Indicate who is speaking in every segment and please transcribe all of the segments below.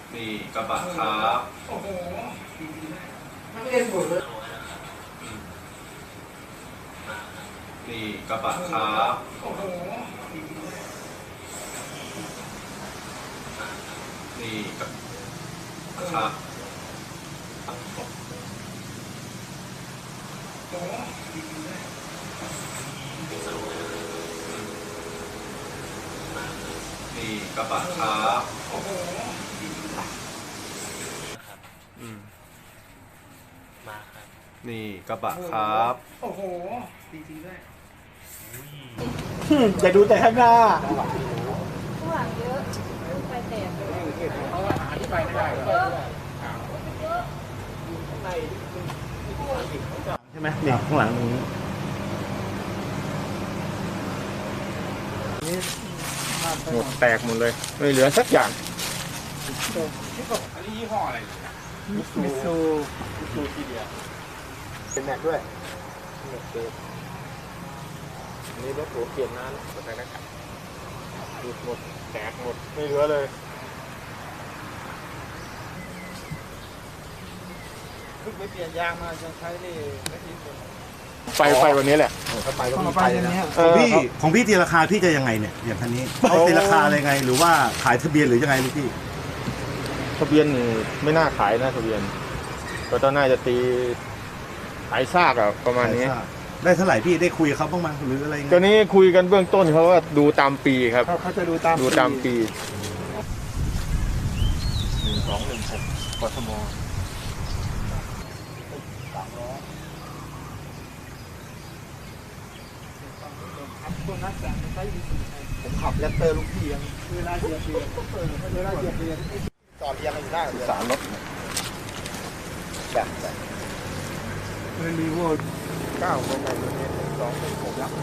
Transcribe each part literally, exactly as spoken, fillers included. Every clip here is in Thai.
Speaker 1: นี่กระบะครับโอ้โหไม่เล่นหมดเลยนี่กระบะครับโอ้โหนี่กระบะครับนี่กระบะครับโอ้โห
Speaker 2: มาครับ
Speaker 1: นี่กระบะครับ
Speaker 3: โอ้โหดีจริงด้วย
Speaker 4: อย่าดูแต่ข้างหน้า
Speaker 5: ข้างหลังเยอะไฟแตกเลย
Speaker 3: เพราะว่าอธิบายไม่ได้เลย
Speaker 4: ใช่ไหมเนี่ยข้างหลังนี้หมดแตกหมดเลยไม่เหลือสักอย่าง
Speaker 3: อันนี้ยี่ห้ออะไรมิซูมิซูมิซูทีเดียวเป็นแม็กด้วยอันนี้รถหัวเปลี่ยนน้ำหมดเลยนะครับดูหมดแตกหมดไม่เหลือเลยเพิ่งไปเปลี่ยนยางมาจะใช้นี่ไม่ทิ้งเลยไปไปวันนี้แหละถ้าไปก็มีไปนะ
Speaker 6: ของพี่ของพี่ตีราคาพี่จะยังไงเนี่ยอย่างคันนี้เขาตีราคาอะไรไงหรือว่าขายทะเบียนหรือยังไงลูกพี่
Speaker 4: ทะเบียนนี่ไม่น่าขายนะทะเบียนก็ต้องน่าจะตีขายซากอะประมาณนี้
Speaker 6: ได้เท่าไหร่พี่ได้คุยกับเขาบ้างมั้ยหรืออะไรเงี้ย
Speaker 4: ตอนนี้คุยกันเบื้องต้นเขาว่าดูตามปีครับ
Speaker 3: เขาจะดูตาม
Speaker 4: ดูตามปีหนึ่งสองหนึ่งหกกทม
Speaker 3: ผมขับแรปเตอร์ลูกพี่ยังเวลาเหยียบเบียร์เวลาเหยียบเบียร์จอดเรียงกันอยู่ได้
Speaker 4: สารรถ
Speaker 3: แบบแบบมันมีวัวเก้าคนไหนตัวนี้สองเป็นหกยักษ์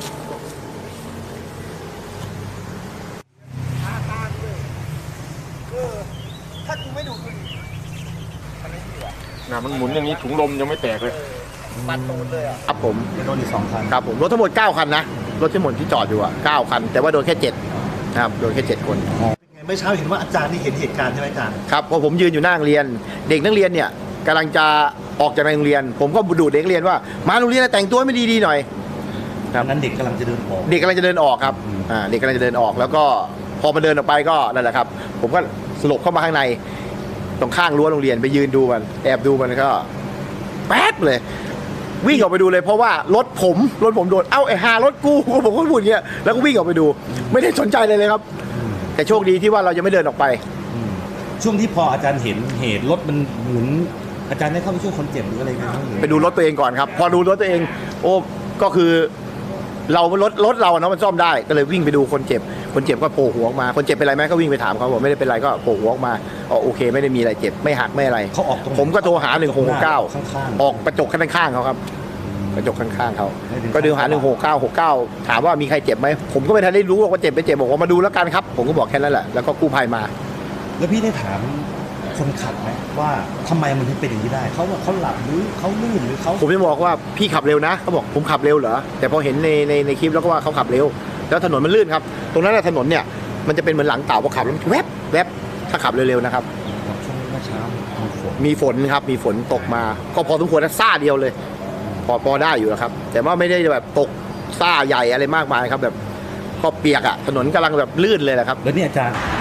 Speaker 3: ห้าตาด้วยเออถ้ากูไม่ดูคุณมันไม่ดีว่ะ
Speaker 4: น่ะมันหมุนอย่างนี้ถุงลมยังไม่แตกเลย
Speaker 3: ปัดตูนเลยอ่ะ
Speaker 4: ครับผม
Speaker 6: โดนอีกสองคัน
Speaker 4: ครับผมรถทั้งหมดเก้าคันนะรถทั้งหมดที่จอดอยู่อ่ะเก้าคันแต่ว่าโดนแค่เจ็ดนะครับโดนแค่เจ็ดคน
Speaker 6: เมื่อเช้าเห็นว่าอาจารย์นี่เห็นเหตุการณ์ใช่ไหมอาจารย์
Speaker 4: ครับพอผมยืนอยู่หน้าโรงเรียนเด็กนักเรียนเนี่ยกำลังจะออกจากโรงเรียนผมก็ดูเด็กนักเรียนว่ามาโรงเรียนแต่งตัวไม่ดีๆหน่อย
Speaker 6: ครับนั้นเด็กกำลังจะเดินออก
Speaker 4: เด็กกำลังจะเดินออกครับอ่าเด็กกำลังจะเดินออกแล้วก็พอมาเดินออกไปก็นั่นแหละครับผมก็สลบเข้ามาข้างในตรงข้างรั้วโรงเรียนไปยืนดูมันแอบดูมันก็แป๊บเลยวิ่งออกไปดูเลยเพราะว่ารถผมรถผมโดนเอ้าไอ้หารถกูผมก็พูดอย่างเงี้ยแล้วก็วิ่งออกไปดูไม่ได้สนใจเลยเลยครับแต่โชคดีที่ว่าเรายังไม่เดินออกไป
Speaker 6: ช่วงที่พออาจารย์เห็นเหตุรถมันหมุนอาจารย์ได้เข้าไปช่วยคนเจ็บหรืออะไรกัน
Speaker 4: ไปดูรถตัวเองก่อนครับพอดูรถตัวเองโอ้ก็คือเรารถรถเราเนาะมันซ่อมได้ก็เลยวิ่งไปดูคนเจ็บคนเจ็บก็โผล่หัวออกมาคนเจ็บเป็นไรไหมก็วิ่งไปถามเขาบอกไม่ได้เป็นไรก็โผล่หัวออกมาอ๋อโอเคไม่ได้มีอะไรเจ็บไม่หักไม่อะไร
Speaker 6: เขาออกตรง
Speaker 4: ผมก็โทรหาหนึ่งหกเก้าออกกระจกข้างๆเขาครับกระจกข้างๆเขาก็ดูหาหนึ่งหกเก้าหกเก้าถามว่ามีใครเจ็บไหมผมก็ไม่ทันได้รู้ว่าเจ็บไม่เจ็บบอกว่ามาดูแล้วกันครับผมก็บอกแค่นั้นแหละแล้วก็กู้ภัยมา
Speaker 6: แล้วพี่ได้ถามคนขับไหมว่าทำไมมันถึงเป็นอย่างนี้ได้เขาว่าเขาหลับหรือเขาลื่นหรือเขา
Speaker 4: ผมจะบอกว่าพี่ขับเร็วนะเขาบอกผมขับเร็วเหรอแต่พอเห็นในในในคลิปแล้วก็ว่าเขาขับเร็วแล้วถนนมันลื่นครับตรงนั้นถนนเนี่ยมันจะเป็นเหมือนหลังเต่าพอขับแล้วแวบแวบถ้าขับเร็วๆนะครับ
Speaker 6: ช่วงเมื่อเช้า
Speaker 4: มีฝนครับมีฝนตกมาก็พอสมควรนะซ่าเดียวเลยพอพอได้อยู่แล้วครับแต่ว่าไม่ได้แบบตกซ่าใหญ่อะไรมากมายครับแบบก็เปียกอ่ะถนนกำลังแบบลื่นเลยแหละครับ
Speaker 6: แล้วนี่อาจารย์